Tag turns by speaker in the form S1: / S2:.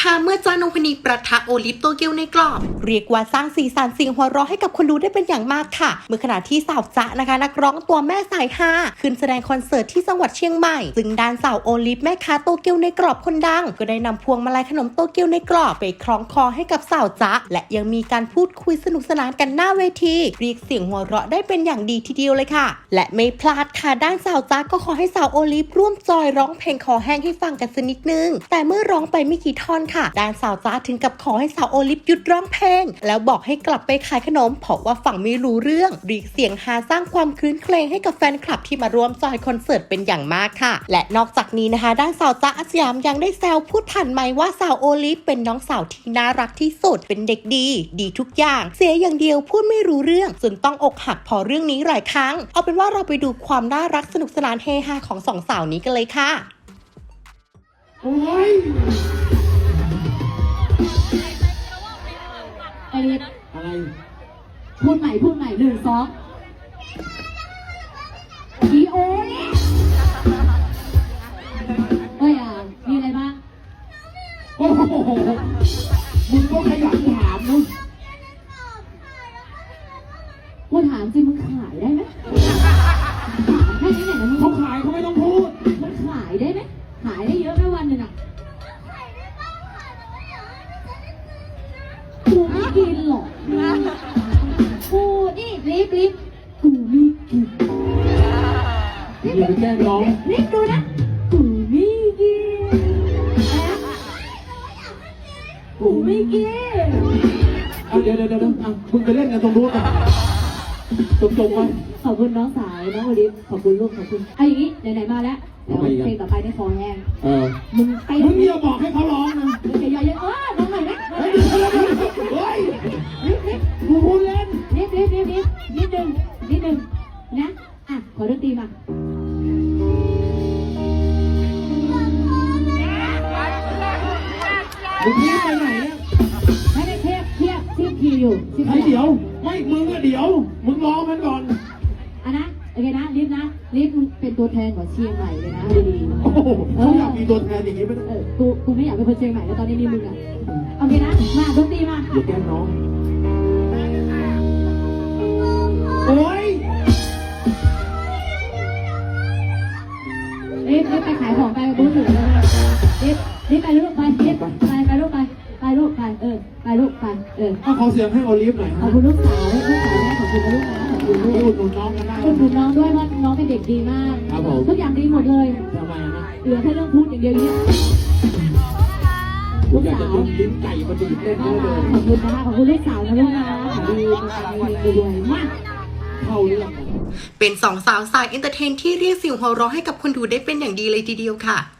S1: ค่ะเมื่อจ้านงพนีประทะโอลิฟโตเกียวในกรอบเรียกว่าสร้างสีสันเสียงหัวเราะให้กับคนดูได้เป็นอย่างมากค่ะเมื่อขณะที่สาวจ๊ะนะคะนักร้องตัวแม่สายฮาขึ้นแสดงคอนเสิร์ตที่จังหวัดเชียงใหม่ซึ่งด้านสาวโอลิฟแม่ค้าโตเกียวในกรอบคนดังก็ได้นำพวงมาลัยขนมโตเกียวในกรอบไปคล้องคอให้กับสาวจ๊ะและยังมีการพูดคุยสนุกสนานกันหน้าเวทีเรียกเสียงหัวเราะได้เป็นอย่างดีทีเดียวเลยค่ะและไม่พลาดค่ะด้านสาวจ๊ะก็ขอให้สาวโอลิฟร่วมจอยร้องเพลงคอแห้งให้ฟังกันสักนิดนึงแต่เมื่อร้องไปไม่กี่ท่อนค่ะด้านสาวจ๊ะถึงกับขอให้สาวโอลิฟหยุดร้องเพลงแล้วบอกให้กลับไปขายขนมเพราะว่าฟังไม่รู้เรื่องเรียกเสียงฮาสร้างความคลื้นเครงให้กับแฟนคลับที่มาร่วมจอยคอนเสิร์ตเป็นอย่างมากค่ะและนอกจากนี้นะคะด้านสาวจ๊ะอาสยามยังได้แซวพูดผ่านไมค์ว่าสาวโอลิฟเป็นน้องสาวที่น่ารักที่สุดเป็นเด็กดีทุกอย่างเสียอย่างเดียวพูดไม่รู้เรื่องจนต้องอกหักพอเรื่องนี้หลายครั้งเอาเป็นว่าเราไปดูความน่ารักสนุกสนานเฮฮาของสองสาวนี้กันเลยค่ะ
S2: โอ้ย
S3: อะไรพูดใหม่1 2อีโอ้ยมีอะไรบ้าง
S2: โอ้โหมึงก็ขยันถามมึง
S3: กูถามจริงมึงขายได้ไหมแค่นี้ไหนนะมึง
S2: เขาขายเขาไม่ต้องพูด
S3: มันขายได้ไหมขายได้เยอะไหมวันหนึ่งอ่ะกูไม่กินหรอกกูนี่รีบกูไม่กิน
S2: อย่าไปแกล้งน้อง
S3: รีบดูนะกูไม่กินกูไม่กิน
S2: เดี๋ยวมึงไปเล่นกันตรงนู้นกันจงไป
S3: ขอบคุณน้องสายน้องโอลิฟขอบคุณลูกขอบคุณไอ้อย่างนี้ไหนๆมาแล้วเดี๋ยวเพลงต่อไปได้คอแห้งมึง
S2: อย่าบอกให้เขาร้องนะ
S3: อย่าน้องหน่อยนะ
S2: เฮ้ยกูพูดเล่น
S3: นิดนึงนะขอดนตรีมา
S2: มึงรีบไปไหนเนี่ย
S3: ให้ได้เทียบคีย์อยู่
S2: ให้เดี๋ยวไม่มึงก็เดี๋ยวมึงร้องมันก่อน
S3: นะโอเคนะลิฟมึงเป็นตัวแทนของเชียงใหม่เลยนะดี
S2: โอ้โหเขาอยากมีตัวแทนอย่างนี้ไหม
S3: กูไม่อยากเป็นคนเชียงใหม่แล้วตอนนี้มีมึงโอเคนะมาดนตรีมา
S2: อย่าแกล้งน้องโอ้ย
S3: รีบไปขายของไปบูธหนึ่งเลยรีบไปลูกไปลูกไป
S2: ขอเสียงให้โอลิฟหน่อย
S3: ขอบคุณลูกสาวแม่ขอบคุณลูกนะขอบคุณลูก
S2: อุดหนุนน้องกันได้
S3: อุดหนุนน้องด้วยว่าน้องเป็นเด็กดีมากทุกอย่างดีหมดเลย
S2: ทำไมนะ
S3: เหลือแค่เรื่องพูดอย่างเดียวนี้
S2: ลูกสาวลิ้นไก่มาดีเล่นเลย
S3: ขอบคุณนะคะขอบคุณลูกสาวนะลูกนะดีด้วยมาก
S2: เข้าเรื่อง
S1: เป็นสองสาวสายเอนเตอร์เทนที่เรียกเสียงหัวเราะให้กับคนดูได้เป็นอย่างดีเลยทีเดียวค่ะ